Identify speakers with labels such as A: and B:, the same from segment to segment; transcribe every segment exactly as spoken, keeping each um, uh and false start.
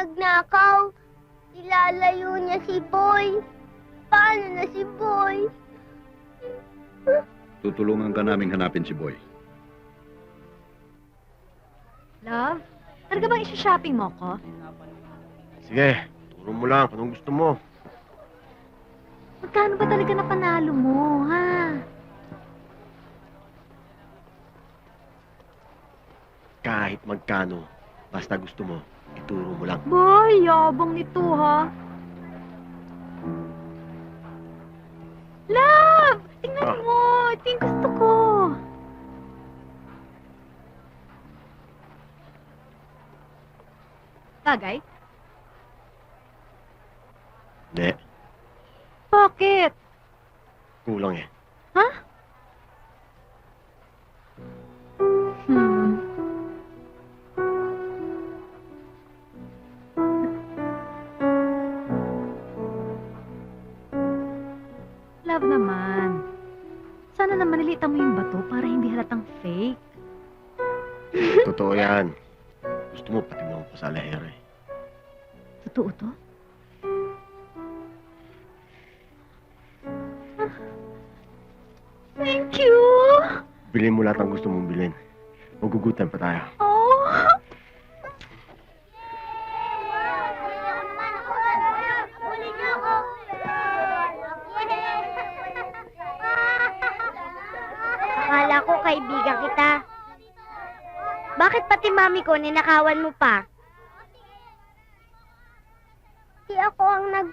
A: nagnakaw. Ilalayo niya si Boy. Paano na si Boy?
B: Tutulungan ka naming hanapin si Boy.
C: Love, talaga bang isa-shopping mo ko?
D: Sige, turo mo lang. Anong gusto mo?
C: Magkano ba talaga na panalo mo, ha?
D: Kahit magkano, basta gusto mo, ituro mo lang.
C: Boy, yabang nito, ha? Love! Tingnan
D: Ah.
C: mo! Ito yung gusto ko. Bagay?
D: Hindi,
C: Bakit?
D: kulang eh.
C: Ha? Hmm. Love naman. Sana naman nilitan mo yung bato para hindi halatang fake.
D: Totoo yan. Gusto mo, pati mo ako sa alahera eh.
C: Totoo to? Ah. Thank you!
D: Bilhin mo lahat ng gusto mong bilhin. Magugutan pa tayo.
C: Oh!
A: Huli niyo ako! Akala ko kaibigan kita. Bakit pati mami ko ninakawan mo pa? Hindi ako ang nag...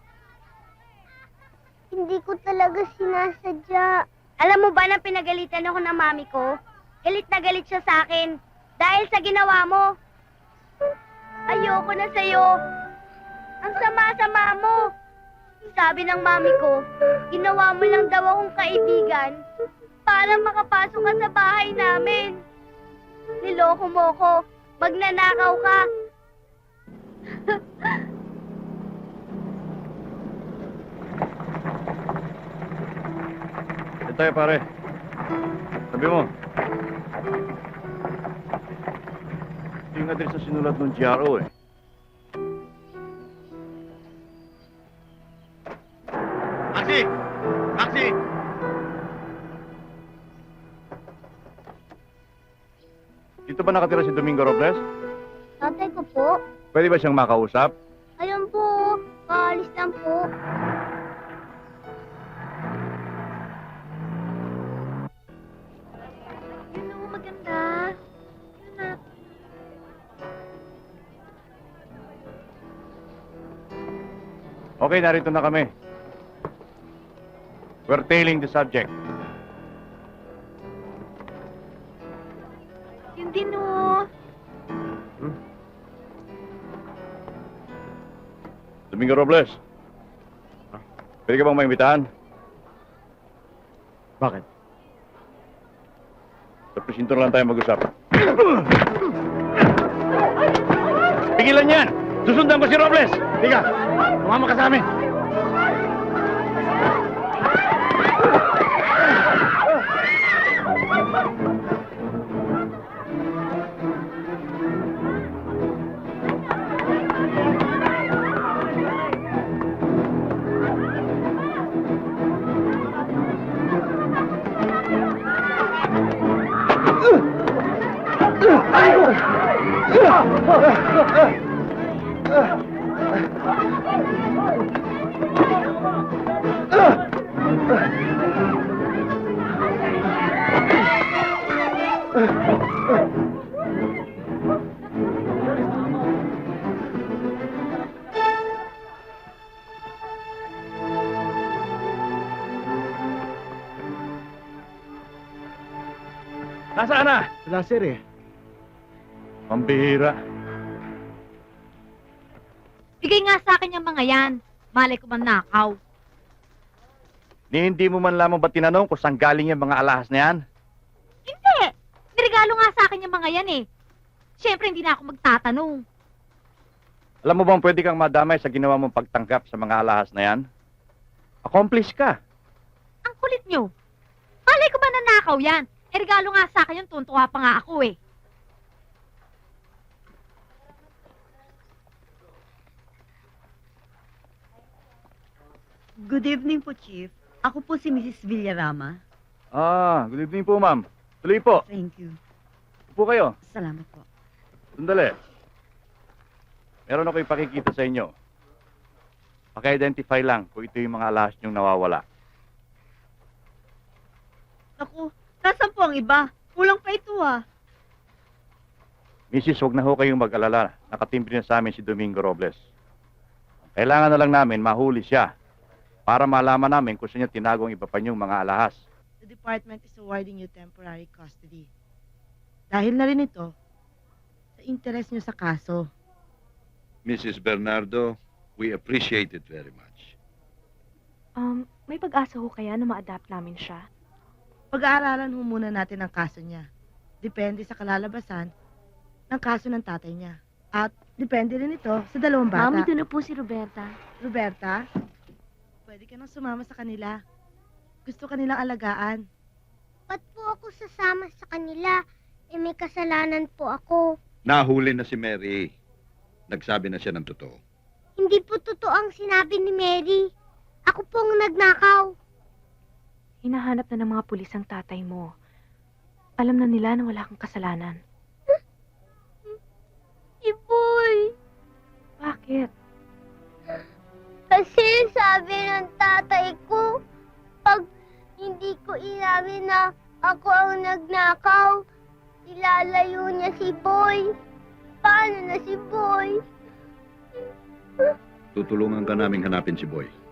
A: Hindi ko talaga sinasadya. Alam mo ba na pinagalitan ako ng mami ko? Galit na galit siya sa akin. Dahil sa ginawa mo. Ayoko na sa'yo. Ang sama-sama mo. Sabi ng mami ko, ginawa mo lang daw akong kaibigan para makapasok ka sa bahay namin. Niloko mo ko. Magnanakaw ka.
B: Yan tayo, pare. Sabi mo. Ito yung address na sinulat ng G R O eh.
D: Taxi! Taxi!
B: Dito ba nakatira si Domingo Robles?
A: Tatay ko po.
B: Pwede ba siyang makausap?
A: Ayun po. Kaalis lang po.
C: Yun o, maganda. Yun na.
B: Okay, narito na kami. We're tailing the subject.
C: Yun din o.
B: Domingo Robles. Pwede ka bang maimbitahan?
D: Bakit?
B: Sa presinto na lang tayo mag-usap. Pigilan yan! Susundan ko si Robles!
D: Tiga! Tumama ka sa amin!
B: Nasaan na?
D: Wala, sir eh.
B: Pambihira.
C: Bigay nga sa akin yung mga yan. Malay ko man nakaw.
B: Ni hindi mo man lamang ba tinanong kung saan galing yung mga alahas na yan?
C: Hindi! Nirigalo nga sa akin yung mga yan eh. Siyempre, hindi na ako magtatanong.
B: Alam mo bang pwede kang madamay sa ginawa mong pagtanggap sa mga alahas na yan? Accomplish ka.
C: Ang kulit nyo. Malay ko ba nanakaw yan? Eh, regalo nga sa akin yung tuntua pa nga ako eh.
E: Good evening po, Chief. Ako po si Missus Villarama.
B: Ah, good evening po, ma'am. Tuloy po.
E: Thank you.
B: Upo kayo.
E: Salamat po.
B: Sandali. Meron ako ipakikita sa inyo. Paki-identify lang kung ito yung mga alahas niyong nawawala.
E: Naku, nasan po ang iba? Kulang pa ito ah.
B: Missus, huwag na ho kayong mag-alala. Nakatimbre na sa amin si Domingo Robles. Kailangan na lang namin mahuli siya para malaman namin kung saan niya tinagong iba pa niyong mga alahas.
F: The department is awarding you temporary custody. Dahil na rin ito sa interest niyo sa kaso.
G: Missus Bernardo, we appreciate it very much.
H: Um, may pag-asa ho kaya na ma-adapt namin siya?
F: Pag-aaralan ho muna natin ang kaso niya. Depende sa kalalabasan ng kaso ng tatay niya. At depende rin ito sa dalawang bata.
A: Mami, doon na po si Roberta.
F: Roberta, pwede ka nang sumama sa kanila. Gusto kanilang alagaan.
A: Ba't po ako sasama sa kanila? Eh, may kasalanan po ako.
G: Nahuli na si Mary. Nagsabi na siya ng totoo.
A: Hindi po totoo ang sinabi ni Mary. Ako pong nagnakaw.
H: Hinahanap na ng mga pulis ang tatay mo. Alam na nila na wala kang kasalanan.
A: Si Boy.
H: Bakit?
A: Kasi sabi ng tatay ko, pag hindi ko inamin na ako ang nagnakaw, ilalayo niya si Boy. Paano na si Boy?
G: Tutulungan ka naming hanapin si Boy.